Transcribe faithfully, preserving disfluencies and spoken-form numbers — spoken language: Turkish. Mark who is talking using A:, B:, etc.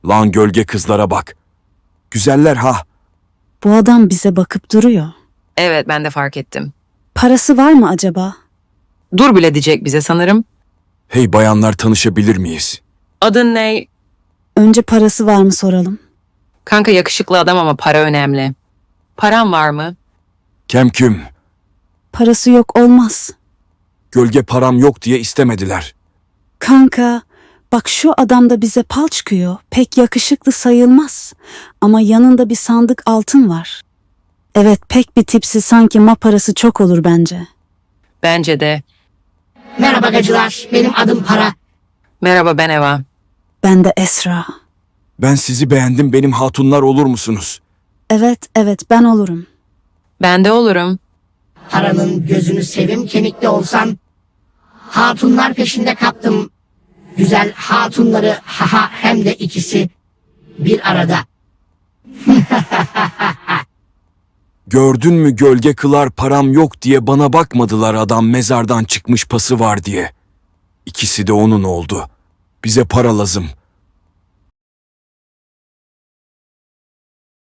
A: Lan gölge kızlara bak. Güzeller ha.
B: Bu adam bize bakıp duruyor.
C: Evet, ben de fark ettim.
B: Parası var mı acaba?
C: Dur bile diyecek bize sanırım.
A: Hey bayanlar, tanışabilir miyiz?
C: Adın ne?
B: Önce parası var mı soralım.
C: Kanka yakışıklı adam ama para önemli. Paran var mı?
A: Kemküm.
B: Parası yok olmaz.
A: Gölge param yok diye istemediler.
B: Kanka, bak şu adam da bize pal çıkıyor. Pek yakışıklı sayılmaz. Ama yanında bir sandık altın var. Evet, pek bir tipsi, sanki ma parası çok olur bence.
C: Bence de.
D: Merhaba gacılar, benim adım Para.
C: Merhaba, ben Eva.
B: Ben de Esra.
A: Ben sizi beğendim, benim hatunlar olur musunuz?
B: Evet, evet, ben olurum.
C: Ben de olurum.
D: Paranın gözünü sevim kemikli olsan. Hatunlar peşinde kaptım. Güzel hatunları haha hem de ikisi bir arada.
A: Gördün mü, gölge kılar param yok diye bana bakmadılar, adam mezardan çıkmış pası var diye. İkisi de onun oldu. Bize para lazım.